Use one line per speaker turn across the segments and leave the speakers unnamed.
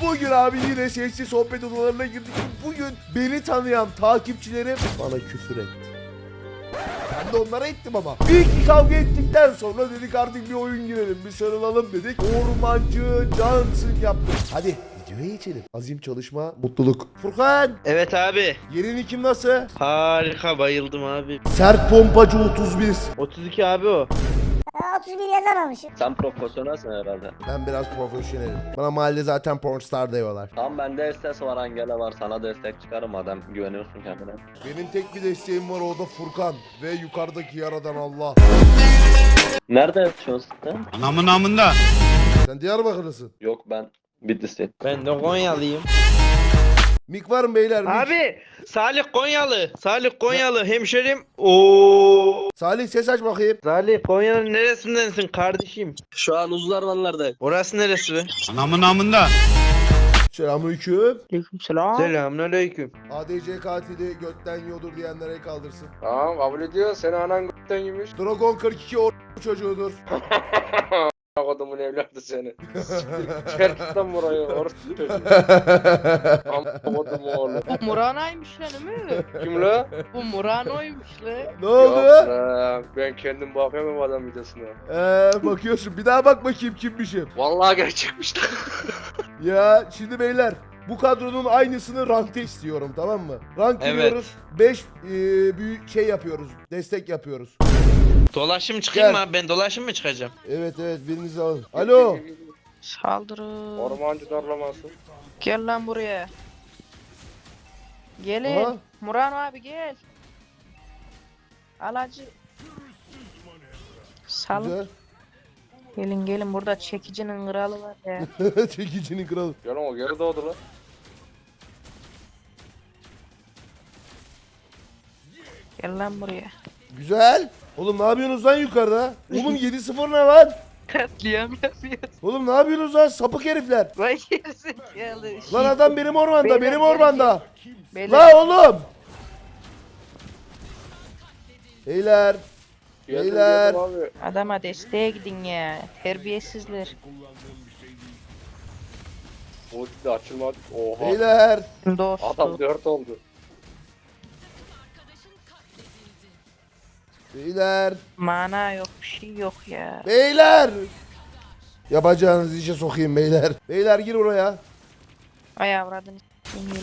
Bugün abi yine sesli sohbet odalarına girdik. Bugün beni tanıyan takipçilerim bana küfür etti. Ben de onlara ettim ama. Bir iki kavga ettikten sonra dedik artık bir oyun girelim, bir sarılalım dedik. Ormancı Cansın yaptık. Hadi videoya geçelim. Azim, çalışma, mutluluk. Furkan,
Evet abi.
yerin kim nasıl?
Harika, bayıldım abi.
Sert pompacı 31.
32 abi o.
31 yazamamışım.
Sen profesyonelsin herhalde.
Ben biraz profesyonelim. Bana mahallede zaten pornstar diyorlar.
Tamam, bende estes var, Angela var, sana destek çıkarım madem güveniyorsun kendine.
Benim tek bir desteğim var, o da Furkan. Ve yukarıdaki yaradan Allah.
Nerede yaşıyorsun sen?
Anamın amında.
Sen Diyarbakırlısın.
Yok, ben Bitlis'teyim.
Ben de Konyalıyım.
Mik var mı beyler? Mik.
Abi Salih Konyalı. Salih Konyalı hemşerim. Oo.
Salih ses aç bakayım.
Salih Konya'nın neresindensin kardeşim?
Şu an Uzlarmanlar'dayım.
Orası neresi be?
Anamın amında.
Selamünaleyküm.
Aleykümselam.
Selamünaleyküm.
ADC katili götten yiyordur diyenlere kaldırsın.
Tamam, kabul ediyor. Seni anan g***ten yemiş.
Dragon 42 çocuğudur.
Kodumun evladı seni. Çıkart lan burayı. Orası çocuğu. Amma kodum oğlu.
Bu Murano'ymuş lan değil mi?
Kim la?
Bu Murano'ymuş lan.
Ne oldu?
Yok lan. Ben kendim bakıyorum adam videosuna.
Bakıyorsun. Bir daha bak bakayım kimmişim.
Vallahi gerçekmiş lan.
Ya şimdi beyler, bu kadronun aynısını rankta istiyorum, tamam mı? Rank
Evet.
giriyoruz. 5 büyük şey yapıyoruz. Destek yapıyoruz.
Dolaşım çıkayım
Gel.
mı abi? Ben dolaşım mı çıkacağım?
Evet birinizi alın. Alo.
Saldırın.
Ormancı darlaması.
Gel lan buraya. Gelin.
Aha.
Murano abi gel. Alacı. Sal.
Güzel.
Gelin gelin, burada çekicinin kralı var ya.
Çekicinin kralı.
Gel o geri doğdu lan.
Gel lan buraya.
Güzel. Oğlum ne yapıyorsunuz lan yukarıda? Oğlum 7-0 ne lan?
Katliam yapıyoruz.
Oğlum ne yapıyorsunuz lan sapık herifler?
Vay gerizekalı.
Lan adam benim ormanda,
Beyler,
benim
gel,
ormanda.
Beyler,
La oğlum. Beyler.
Geldim,
Beyler.
geldim abi.
adama desteğe gidin ya. Terbiyesizler.
Ulti de açılmadı. Oha.
Beyler.
Dostum.
Adam 4 oldu.
Beyler.
Mana yok, bir şey yok ya.
Beyler. Yapacağınız işe sokayım beyler. Beyler gir buraya.
Ay avradını s**eyim.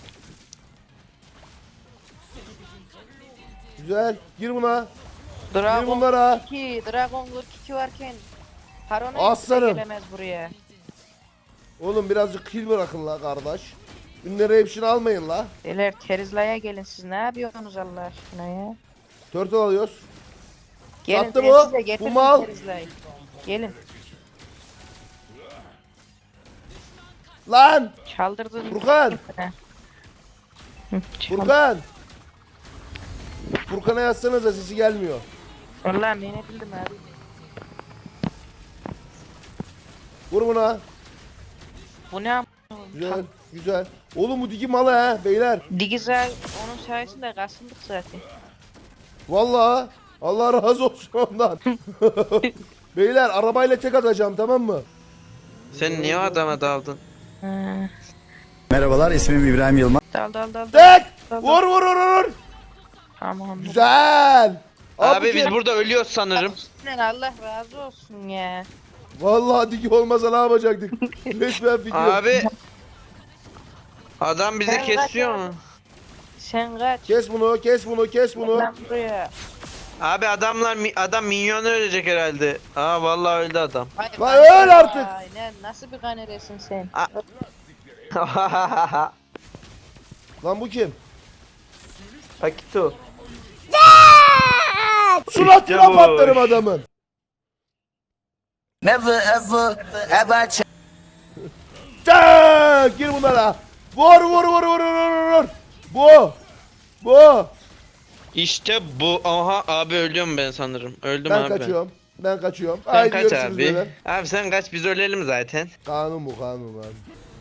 Güzel. Gir buna. Gir
Dragon
bunlara.
42, Dragon 42 varken Harona
Aslanım.
gelemez buraya.
Oğlum birazcık kill bırakın la kardeş. Ünleri hepsini almayın la.
Beyler Terizla'ya gelin, siz ne yapıyorsunuz Allah aşkına ya?
Turtle alıyoruz.
Gelin
Sattı
ben
bu.
size getirdim
Bu mal.
Terizla'yı. Gelin.
Lan.
Çaldırdın.
Furkan.
Hı, çal-
Furkan. Furkan'a yazsanıza, sesi gelmiyor.
Vallahi ne bildim abi.
Vur buna.
Bu ne am-
Güzel. Güzel. Oğlum bu digi malı ha beyler.
Digizay onun sayesinde kasıldık zaten.
Vallahi Allah razı olsun ondan. Beyler arabayla tek atacağım, tamam mı?
Sen niye adama daldın?
Ha.
Merhabalar, ismim İbrahim Yılmaz.
Dal dal dal.
Tek.
Dal, dal.
Vur vur vur vur.
Tamam.
Güzel.
Abi
bu
biz
kim?
burada ölüyoruz sanırım.
Lan Allah razı olsun ya.
Vallahi digi olmasa ne yapacaktık? Resmen video.
Abi adam bizi
Sen
kesiyor
kaç
mu?
Sen kaç.
Kes bunu, kes bunu, kes bunu.
Lan buraya.
Abi adam minyonu ölecek herhalde. Aa vallahi öldü adam.
Ay,
Lan öl artık.
Ay, nasıl bir kaneresin sen?
Lan bu kim?
Akito.
Suratına
bu.
patlarım adamın.
Never ever ever
Tak! Gir bunlara. Vur vur vur vur vur vur. Bu. Bu.
İşte bu. Aha abi ölüyorum ben sanırım. Öldüm
Ben
abi.
kaçıyorum. Ben kaçıyorum.
Sen
Haydi
kaç
görüşürüz
abi.
beyler.
Abi sen kaç, biz ölelim zaten.
Kanun bu, kanun abi.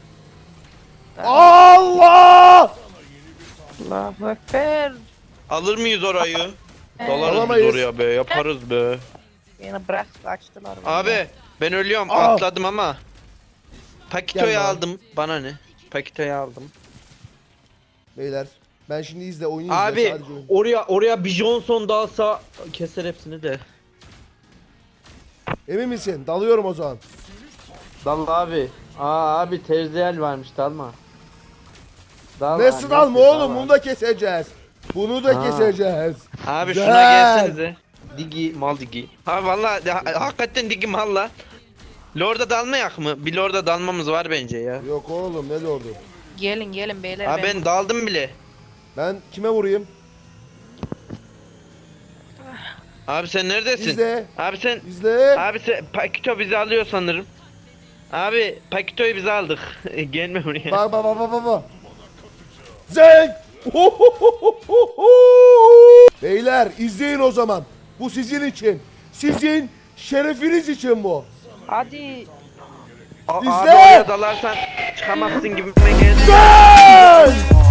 Allah!
Allahu Ekber.
Alır mıyız orayı? Dalarız biz
Alamayız.
oraya be, yaparız be.
Beni bırak kaçtılar.
Abi ben ölüyorum,
Aa.
atladım ama. Pakito'yu
Gel bana.
aldım. Bana ne? Pakito'yu aldım.
Beyler ben şimdi izle oyunu izle
Abi
sadece oyun.
oraya bir Johnson dalsa keser hepsini de.
Emin misin? Dalıyorum o zaman.
Dal abi. Abi terziyel varmış dalma. Dal
Nasıl dalma oğlum? Bunu da keseceğiz. Bunu da
Ha.
keseceğiz.
Abi
Güzel.
şuna gelsenize. Digi mal digi. Ha vallahi hakikaten digi mal la. Lord'a dalmayak mı? Bir Lord'a dalmamız var bence ya.
Yok oğlum ne oldu?
Gelin beyler.
Abi ben daldım bile.
Ben kime vurayım?
Abi sen neredesin?
İzle.
Abi sen
İzle.
Pakito bizi alıyor sanırım. Abi Pakito'yu biz aldık. Gelme buraya.
Bak. Zeng! Beyler izleyin o zaman. Bu sizin için. Sizin şerefiniz için bu.
Hadi.
Abi
İzle!
oraya dalarsan çıkamazsın gibi geldi.
Zeng!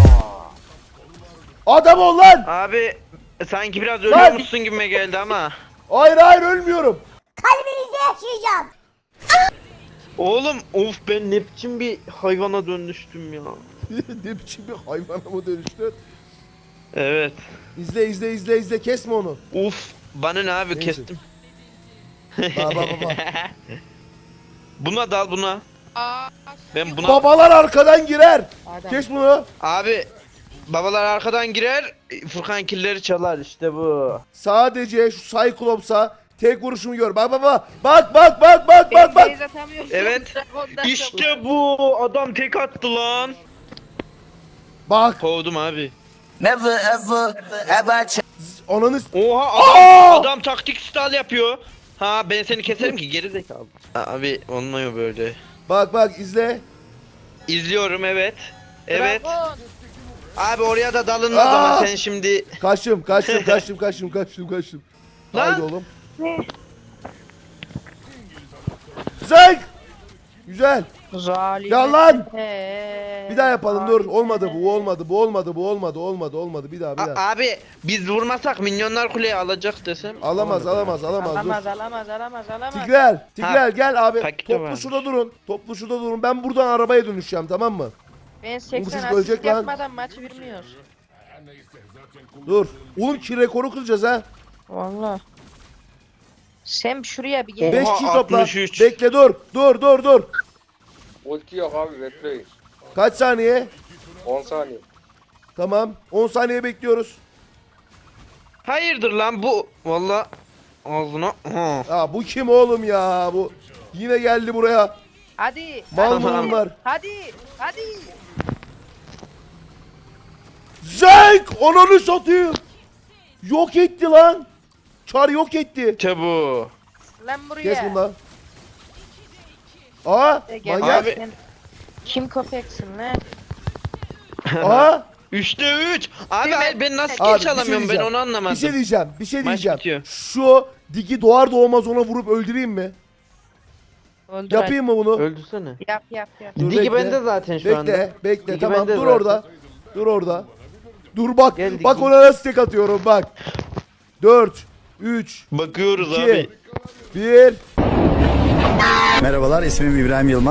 Adam ol lan!
Abi sanki biraz
Lan!
ölüyormuşsun gibime geldi ama.
Hayır ölmüyorum.
Kalbinizde yaşayacağım.
Oğlum of ben ne biçim bir hayvana dönüştüm ya.
Ne biçim bir hayvana mı dönüştün?
Evet.
İzle kesme onu.
Uf bana ne abi
Neyse.
kestim.
Bak.
Buna dal buna. Ben buna
Babalar arkadan girer.
Adam.
Kes bunu.
abi babalar arkadan girer Furkan killeri çalar işte bu.
Sadece şu Cyclops'a tek vuruşumu gör. Bak. Bak.
Beyz atamıyorsun.
Evet.
Dragon'dan
İşte bu adam tek attı lan.
Bak.
Kovdum abi.
Never ever ever change.
Ananı
Oha
Aa!
adam taktik style yapıyor. Ha ben seni keserim ki geri zekalı. Abi olmuyor böyle.
Bak izle.
İzliyorum evet. Evet.
Dragon.
Abi oraya da dalınmaz
Aa!
ama sen şimdi.
Kaçtım.
Lan!
Haydi oğlum. Zeng! Güzel.
Zalim.
Ya lan! Bir daha yapalım dur. Olmadı. Bir daha.
Abi biz vurmasak minyonlar kuleyi alacak desem.
Alamaz. Dur.
Alamaz.
Tigrel gel abi.
Paketi
Toplu
varmış.
şurada durun. Ben buradan arabaya dönüşeceğim tamam mı?
Ben
çocuk
80
ölecek
asist
lan.
yapmadan maçı bilmiyor.
Dur. Oğlum ki rekoru kıracağız ha.
Valla. Sen şuraya bir gel.
5
Oha,
kişi topla.
63.
Bekle dur.
Ulti yok abi bekleyin.
Kaç saniye?
10 saniye.
Tamam. 10 saniye bekliyoruz.
Hayırdır lan bu. Valla ağzına. Ha.
Ya bu kim oğlum ya? Bu yine geldi buraya.
Hadi.
Mal
hadi,
mı bunlar?
Hadi.
Zeng! Ananı satayım. Yok etti lan. Çar yok etti.
İşte bu.
Lan buraya.
Kes bundan. Aa!
Gel.
Manyak.
Abi.
Sen kim köpeksin lan?
Aa!
3'te 3. Abi hayır ben nasıl
Abi,
geç alamıyorum ben onu anlamadım.
Bir şey diyeceğim.
Maç bitiyor.
Şu digi doğar doğmaz ona vurup öldüreyim mi?
Öldür
Yapayım mı bunu?
Öldürsene.
hadi. Yap.
Dur,
Digi
bekle.
bende zaten şu anda.
Bekle
Digi
tamam
bende
dur
zaten.
orada. Dur orada. Dur bak.
Gel Digi.
Bak ona nasıl tek atıyorum bak. 4 3
Bakıyoruz
2
abi.
1
Merhabalar ismim İbrahim Yılmaz.